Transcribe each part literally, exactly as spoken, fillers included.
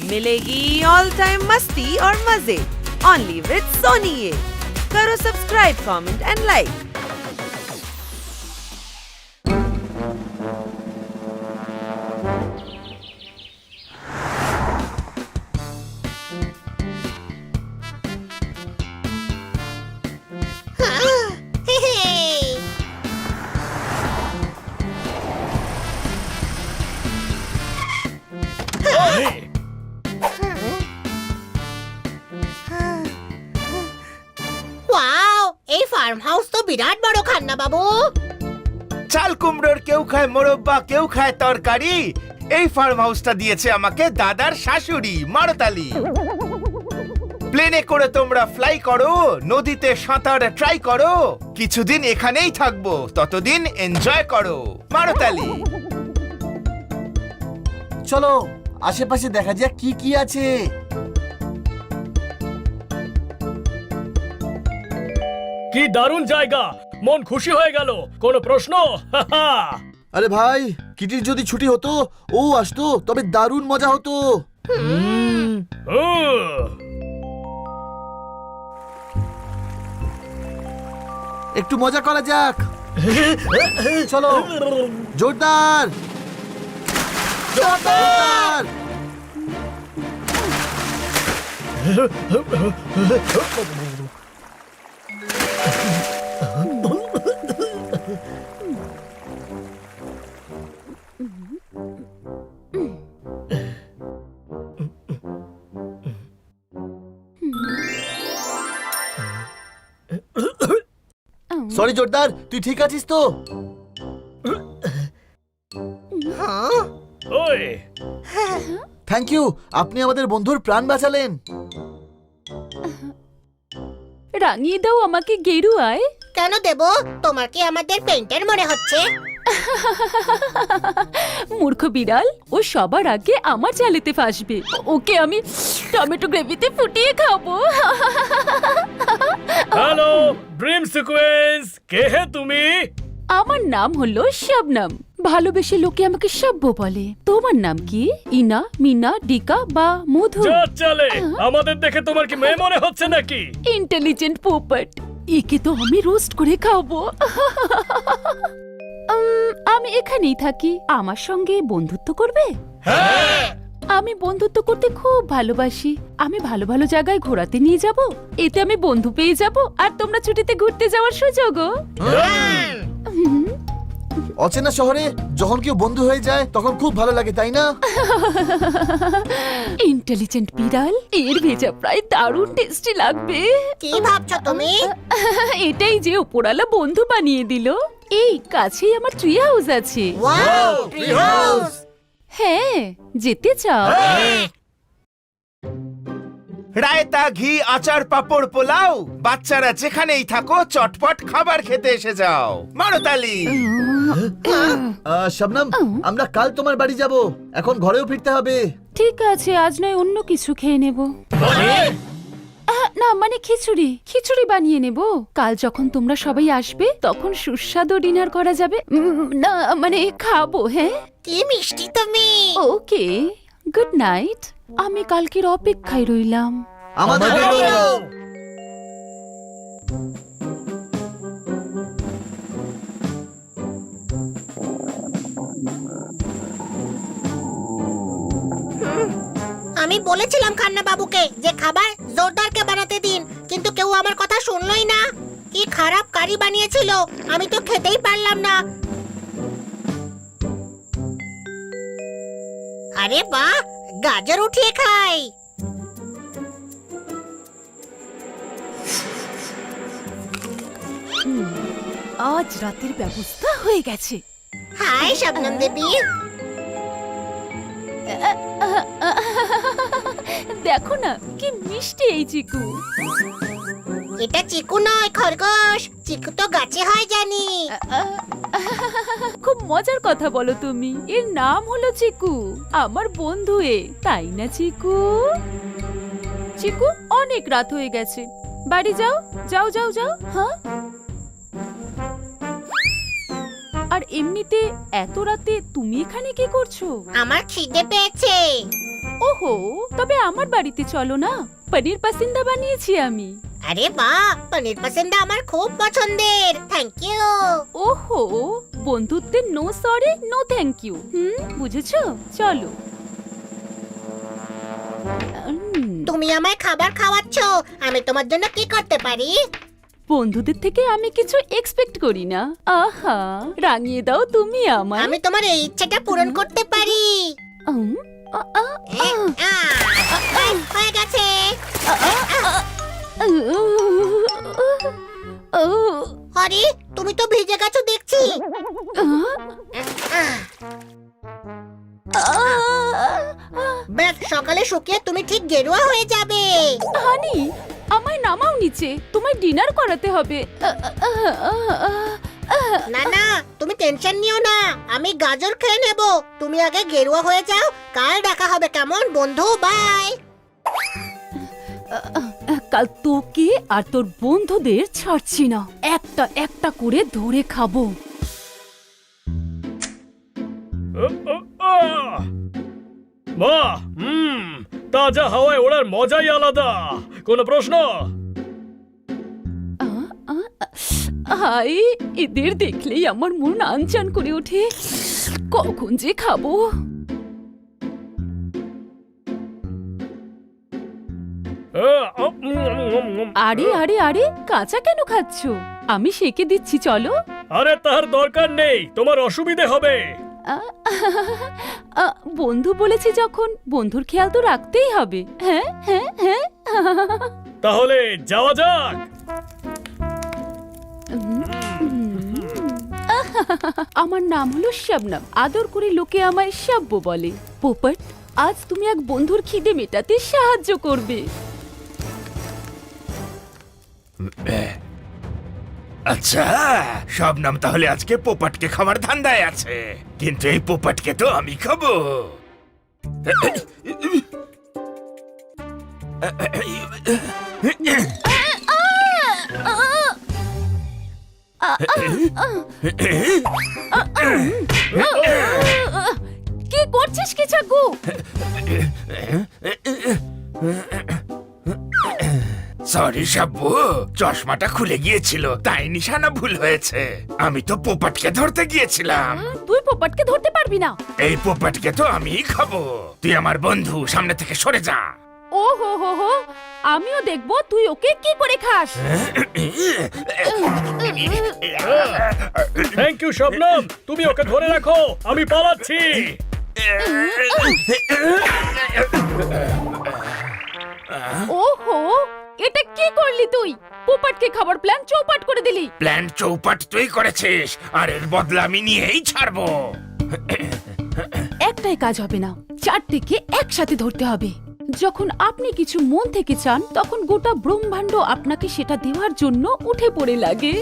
मिलेगी all time मस्ती और मजे ओनली विद सोनी ये। करो subscribe, comment and like. Farm house তো বিরাট বড় খান্না বাবু। চাল কুমড়োর কেউ খায় মোরব্বা, কেউ খায় তরকারি। এই ফার্ম হাউসটা দিয়েছে আমাকে দাদার শাশুড়ি মারতালি। প্লেনে করে তোমরা ফ্লাই করো, নদীতে সাঁতার ট্রাই করো, কিছুদিন এখানেই থাকবো, ততদিন এনজয় করো মারতালি। চলো আশেপাশে দেখা যাক কি কি আছে। কি দারুণ জায়গা, মন খুশি হয়ে গেল। কোনো প্রশ্ন? আরে ভাই, কিটির যদি ছুটি হতো, ও আসতো, তবে দারুণ মজা হতো। একটু মজা করা যাক। চলো জোরদার জোরদার। সরি জোরদার, তুই ঠিক আছিস তো? থ্যাংক ইউ, আপনি আমাদের বন্ধুর প্রাণ বাঁচালেন। রাঙিয়ে দাও আমাকে গেরুয়ায়। কেন দেব? তোমার কি আমাদের পেইন্টার মনে হচ্ছে? মূর্খ বিড়াল, ও সবার আগে আমার চালেতে ফাঁসবে। ওকে আমি টমেটো গ্রেভিতে ফুটিয়ে খাবো। হ্যালো ড্রিম সিকোয়েন্স, কে হে তুমি? আমার নাম হলো শবনম। ভালোবেসে লোকে আমাকে সব্য বলে। তোমার নাম কি? ইনা, মিনা, ডিকা বা মধু? যা চলে, আমাদের দেখে তোমার কি মেয়ে মনে হচ্ছে নাকি? ইন্টেলিজেন্ট পোপট, একে তো আমি রোস্ট করে খাবো। আমি এখানেই থাকি, আমার সঙ্গে বন্ধুত্ব করবে? হ্যাঁ, আমি বন্ধুত্ব করতে খুব ভালোবাসি। আমি ভালো ভালো জায়গায় ঘোরাতে নিয়ে যাব, এতে আমি বন্ধু পেয়ে যাব, আর তোমরা ছুটিতে ঘুরতে যাওয়ার সুযোগও। অচেনা শহরে যখন কেউ বন্ধু হয়ে যায় তখন খুব ভালো লাগে, তাই না? ইন্টেলিজেন্ট বিড়াল, এর ভেজা প্রায় দারুণ টেস্টি লাগবে। কি ভাবছো তুমি? এটাই যে উপরালা বন্ধু বানিয়ে দিল। এই কাছেই আমার ট্রি হাউস আছে। Wow, tree house. হ্যাঁ, যেতে চাও? রায়তা, ঘি, আচার, পাপড়, পোলাও। বাচ্চারা যেখানেই থাকো চটপট খাবার খেতে এসে যাও মারতালি। আহ, শবনম, আমরা কাল তোমার বাড়ি যাব, এখন ঘরেও ফিরতে হবে। ঠিক আছে, আজ নয় অন্য কিছু খেয়ে নেব। আহ, না মানে খিচুড়ি খিচুড়ি বানিয়ে নেব। কাল যখন তোমরা সবাই আসবে তখন সুস্বাদু ডিনার করা যাবে। উম, না মানে খাবো। হ্যাঁ, কি মিষ্টি তুমি। Okay, good night. আমি কালকের অপেক্ষায় রইলাম। আমাদের আমি বলেছিলাম খান্না বাবুকে যে খাবার জোরদারকে বানাতে দিন, কিন্তু কেউ আমার কথা শুনলই না। কি খারাপ কারি বানিয়েছিল, আমি তো খেতেই পারলাম না। আরে বাহ, গাজর উঠিয়ে খাই। আজ রাতের ব্যবস্থা হয়ে গেছে। হাই শবনম দেবী। দেখো না কি মিষ্টি এই চিকু। এটা চিকু নয়, খরগোশ। চিকু তো গাছে হয় জানি। খুব মজার কথা বলো তুমি। এর নাম হলো চিকু, আমার বন্ধু এ, তাই না চিকু? চিকু, অনেক রাত হয়ে গেছে, বাড়ি যাও যাও যাও যাও। হ্যাঁ, আর এমনিতে এত রাতে তুমি এখানে কি করছো? আমার খিদে পেয়েছে। ওহো, তবে আমার বাড়িতে চলো না, পনির পাসিন্দা বানিয়েছি আমি। আরে বাহ, পনির পাসিন্দা আমার খুব পছন্দের। Thank you. ওহো, বন্ধুত্বের no sorry no thank you. হুম, বুঝেছো? চলো। উম, তুমি আমায় খাবার খাওয়াচ্ছ, আমি তোমার জন্য কি করতে পারি? বন্ধুদের থেকে আমি কিছু এক্সপেক্ট করি না। আহা, রাঙিয়ে দাও তুমি আমায়। আমি তোমার এই ইচ্ছাটা পূরণ করতে পারি। উম, আ, আ, এ, আ, ব্যাস, হয়ে গেছে। ও, আরে তুমি তো ভিজে গেছো দেখছি। আহ, ব্যাস, সকালে শুকিয়ে তুমি ঠিক গেরুয়া হয়ে যাবে। হানি, আমায় নামাও নিচে, তোমায় ডিনার করাতে হবে। না না, তুমি টেনশন নিও না, আমি গাজর খেয়ে নেব। তুমি আগে গেরুয়া হয়ে যাও, কাল দেখা হবে কেমন বন্ধু। বাই। কাল তোকে আর তোর বন্ধুদের ছাড়ছি না, একটা একটা করে ধরে খাবো। বাহ, হুম, তাজা হাওয়ায় ওড়ার মজাই আলাদা। কোনো প্রশ্ন? হাই, এদের দেখলেই আমার মন আনচান করে ওঠে, কখন যে খাবো। আরে আরে আরে, কাঁচা কেন খাচ্ছ? আমি সেকে দিচ্ছি, চলো। আরে তার দরকার নেই, তোমার অসুবিধে হবে। আ, আ, বন্ধু বলেছি যখন, বন্ধুর খেয়াল তো রাখতেই হবে। হ্যাঁ হ্যাঁ হ্যাঁ। তাহলে যাওয়া যাক। আমার নাম হলো শবনম, আদর করে লোকে আমায় শাব্য বলে। পোপট, আজ তুমি এক বন্ধুর খিদে মেটাতে সাহায্য করবে। আচ্ছা, শবনম তাহলে আজকে পোপটকে খাবার ধান্দায় আছে, কিন্তু এই পোপটকে তো আমি খাবো। কি করছিস কি চাকু? সরি শাব্বু, চশমাটা খুলে গিয়েছিল, তাই নিশানা ভুল হয়েছে। আমি তো পোপটকে ধরতে গিয়েছিলাম। তুই পোপটকে ধরতে পারবি না। এই পোপটকে তো আমিই খাবো। তুই আমার বন্ধু, সামনে থেকে সরে যা। ও হো হো হো, আমিও দেখবো তুই ওকে কি করে খাস। থ্যাংক ইউ শবনম, তুমি ওকে ধরে রাখো, আমি পালাচ্ছি। ওহো, এটা কি করলি তুই? পোপটকে খাবার প্ল্যান চৌপাট করে দিলি। প্ল্যান চৌপাট তুই করেছিস, আর এর বদলা আমি নিয়েই ছাড়বো। একটাই কাজ হবে না, চারটেকে একসাথে ধরতে হবে। যখন আপনি কিছু মন থেকে চান, তখন গোটা ব্রহ্মাণ্ড আপনাকে সেটা দেওয়ার জন্য উঠে পড়ে লাগে।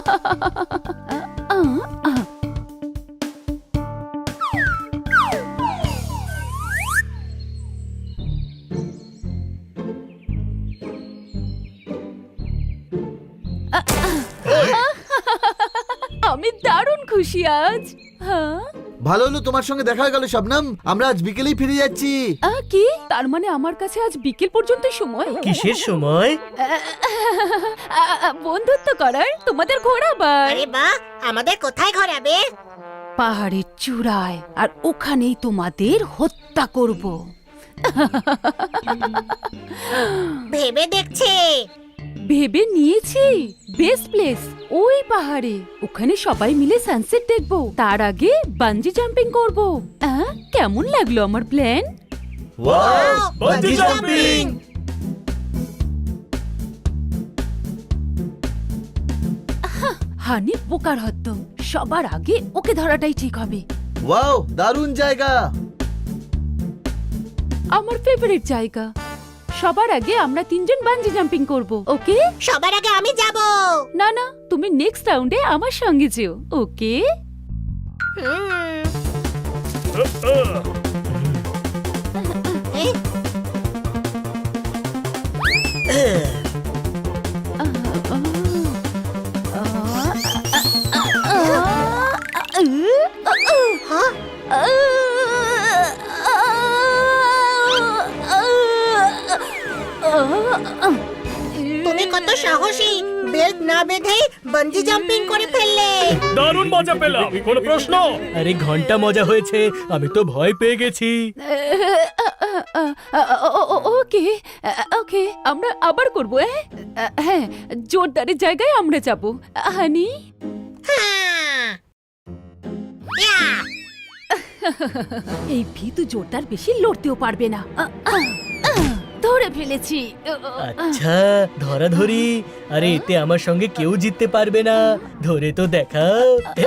আমি দারুণ খুশি আজ। হ্যাঁ, ভালো হলো তোমার সঙ্গে দেখা হয়ে গেল শবনম, আমরা আজ বিকেলেই ফিরে যাচ্ছি। আহ, কি তার মানে আমার কাছে আজ বিকেল পর্যন্ত সময়? কিসের সময়? বন্ধুত্ব করার, তোমাদের ঘোরাবার। আরে বাহ, আমাদের কোথায় ঘোরাবে? পাহাড়ের চূড়ায়, আর ওখানেই তোমাদের হত্যা করব। ভেবে দেখছে। ভেবে নিয়েছি, বেস্ট প্লেস ওই পাহাড়ে। ওখানে সবাই মিলে সানসেট দেখবো, তার আগে বানজি জাম্পিং করব। আহ, কেমন লাগলো আমার প্ল্যান? Wow, bungee jumping! হানি বোকার হদ্দ, সবার আগে ওকে ধরাটাই ঠিক হবে। ওয়াও, দারুণ জায়গা। আমার ফেভারিট জায়গা। সবার আগে আমরা তিনজন বানজি জাম্পিং করব, ওকে? সবার আগে আমি যাব। না না, তুমি নেক্সট রাউন্ডে আমার সঙ্গে যেও, ওকে? হুম, হ্যাঁ? তুমি কত সাহসী, বেল্ট না বেঁধেই বানজি জাম্পিং করে ফেললে। দারুণ মজা পেলাম। কোনো প্রশ্ন? আরে ঘন্টা মজা হয়েছে, আমি তো ভয় পেয়ে গেছি। ওকে ওকে, আমরা আবার করবো। হ্যাঁ, জোরদারের জায়গায় আমরা যাব। হানি, হ্যাঁ। ইয়া! এই ভীতু জোরদার বেশি লড়তেও পারবে না। আহ, আহ, আহ, ধরে ফেলেছি। আচ্ছা ধরাধরি। আরে এতে আমার সঙ্গে কেউ জিততে পারবে না, ধরে তো দেখাও।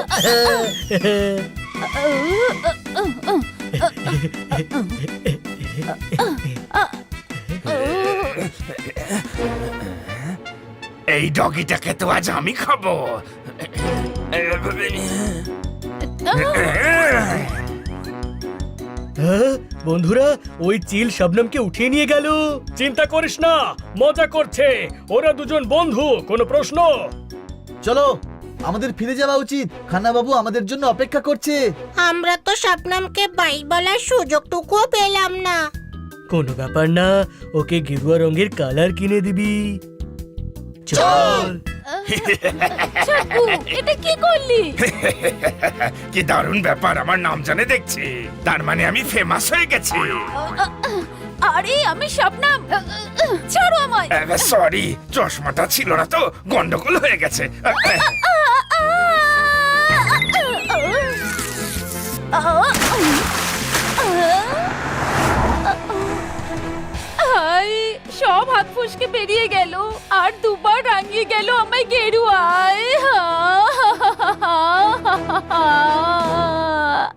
এই ডগিটাকে তো আজ আমি খাবো। হ্যাঁ, বন্ধুরা ওই চিল শবনমকে উঠিয়ে নিয়ে গেল। চিন্তা করিস না, মজা করছে। ওরা দুজন বন্ধু। কোনো প্রশ্ন? চলো, আমাদের ফিরে যাওয়া উচিত। খান্না বাবু আমাদের জন্য অপেক্ষা করছে। আমরা তো শবনমকে বাই বলার সুযোগটুকুও পেলাম না। কোনো ব্যাপার না, ওকে গেরুয়া রঙের কালার কিনে দিবি। চল। চাকু, এটা কি করলি? কি দারুণ ব্যাপার, আমার নাম জানে দেখছি। তার মানে আমি ফেমাস হয়ে গেছি। আরে আমি শবনম, ছাড়ো আমায়। সরি, চশমাটা ছিল না তো, গন্ডগোল হয়ে গেছে। হাই, সব হাত ফুসকে বেরিয়ে গেল আর দুবার রাঙিয়ে গেল আমায় গেরুয়ায়।